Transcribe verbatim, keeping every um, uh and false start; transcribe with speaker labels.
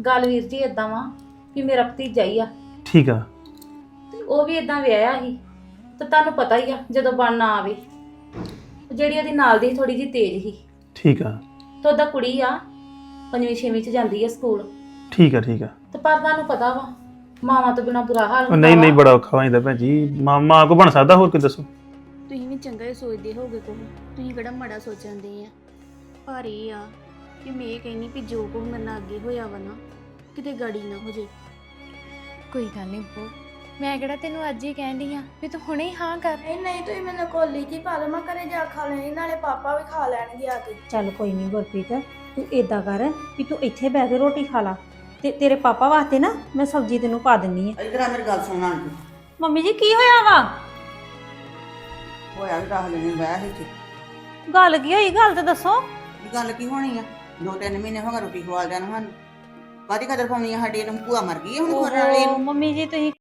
Speaker 1: ਗੱਲ ਵੀਰ ਜੀ ਇਦਾਂ ਵਾ ਵੀ ਮੇਰਾ ਭਤੀਜਾ ਹੀ ਆ
Speaker 2: ਠੀਕ ਆ।
Speaker 1: ਤੇ ਉਹ ਵੀ ਇਦਾਂ ਵਿਆਹਿਆ ਸੀ ਤੇ ਤੁਹਾਨੂੰ ਪਤਾ ਹੀ ਆ ਜਦੋਂ ਬਣ ਨਾ ਆਵੇ। ਜਿਹੜੀ ਉਹਦੀ ਨਾਲ ਦੀ ਥੋੜੀ ਜਿਹੀ ਤੇਜ਼ ਸੀ
Speaker 2: ਠੀਕ ਆ।
Speaker 1: ਤੇ ਉਹਦਾ ਕੁੜੀ ਆ ਪੰਜਵੀਂ ਛੇਵੀਂ ਚ ਜਾਂਦੀ ਆ ਸਕੂਲ।
Speaker 2: ਠੀਕ ਆ ਠੀਕ ਆ।
Speaker 1: ਤੇ ਪਰ ਤੁਹਾਨੂੰ ਪਤਾ ਵਾ ਮਾਵਾਂ ਤੋਂ ਬਿਨਾ ਬੁਰਾ ਹਾਲ
Speaker 2: ਉਹ
Speaker 1: ਹੁੰਦਾ
Speaker 2: ਨਹੀਂ ਨਹੀਂ
Speaker 1: ਵਾ।
Speaker 2: ਬੜਾ ਔਖਾ ਹੋ ਜਾਂਦਾ ਭੈਣ ਜੀ। ਮਾਂ ਮਾਂ ਕੋ ਬਣ ਸਕਦਾ ਹੋਰ ਕੋਈ ਦੱਸੋ।
Speaker 3: ਤੁਸੀਂ ਵੀ ਚੰਗਾ ਹੀ ਸੋਚਦੇ ਹੋਗੇ ਕੋਹ, ਤੁਸੀਂ ਕਿਹੜਾ ਮਾੜਾ ਸੋਚਣਦੇ ਆ। ਪਰ ਇਹ ਆ ਕਿ ਮੈਂ ਇਹ ਕਹਿੰਦੀ ਵੀ ਜੋ ਕੁਝ ਮੇਰੇ ਨਾਲ ਅੱਗੇ ਹੋਇਆ ਵਾ ਨਾ ਕਿਤੇ ਗਾੜੀ ਨਾ ਹੋ ਜੇ।
Speaker 4: ਕੋਈ ਗੱਲ ਨਹੀਂ ਬੋ, ਮੈਂ ਕਿਹੜਾ ਤੈਨੂੰ ਅੱਜ ਹੀ ਕਹਿਣ ਡਈ ਆ ਵੀ ਤੂੰ ਹੁਣੇ ਹੀ ਹਾਂ ਕਰ।
Speaker 5: ਨਹੀਂ ਨਹੀਂ ਤੁਸੀਂ ਮੈਨੂੰ ਕੋਲੀ ਜੀ ਪਾ ਲਓ, ਮੈਂ ਘਰੇ ਜਾ ਖਾ ਲੈਣੀ, ਨਾਲੇ ਪਾਪਾ ਵੀ ਖਾ ਲੈਣਗੇ ਆ ਕੇ।
Speaker 6: ਚੱਲ ਕੋਈ ਨਹੀਂ ਗੁਰਪ੍ਰੀਤ, ਤੂੰ ਏਦਾਂ ਕਰ ਵੀ ਤੂੰ ਇੱਥੇ ਬਹਿ ਕੇ ਰੋਟੀ ਖਾ ਲਾ ਤੇ ਤੇਰੇ ਪਾਪਾ ਵਾਸਤੇ ਨਾ ਮੈਂ ਸਬਜ਼ੀ ਤੈਨੂੰ ਪਾ ਦਿੰਨੀ ਆ।
Speaker 7: ਇਧਰ ਆ ਮੇਰੀ ਗੱਲ ਸੁਣ ਆਂਟੀ।
Speaker 6: ਮੰਮੀ ਜੀ ਕੀ ਹੋਇਆ ਵਾ?
Speaker 7: ਹੋਇਆ ਵੀ ਰੱਖ ਲੈਣੇ ਬਹਿ ਇੱਥੇ।
Speaker 6: ਗੱਲ ਕੀ ਹੋਈ? ਗੱਲ ਤਾਂ ਦੱਸੋ।
Speaker 7: ਇਹ ਗੱਲ ਕੀ ਹੋਣੀ ਆ? ਦੋ ਤਿੰਨ ਮਹੀਨੇ ਹੋ ਗਏ ਰੋਟੀ ਖਵਾ ਦੇਣ ਸਾਨੂੰ। ਕਾਹਦੀ ਕਦਰ ਪਾਉਣੀ ਆ ਸਾਡੀ? ਇਹਨੂੰ ਭੂਆ ਮਰ ਗਈ ਆ ਹੁਣ ਖੋਰਨ ਵਾਲੀ
Speaker 6: ਓਹੋ,
Speaker 7: ਨੂੰ।
Speaker 6: ਮੰਮੀ ਜੀ ਤੁਸੀਂ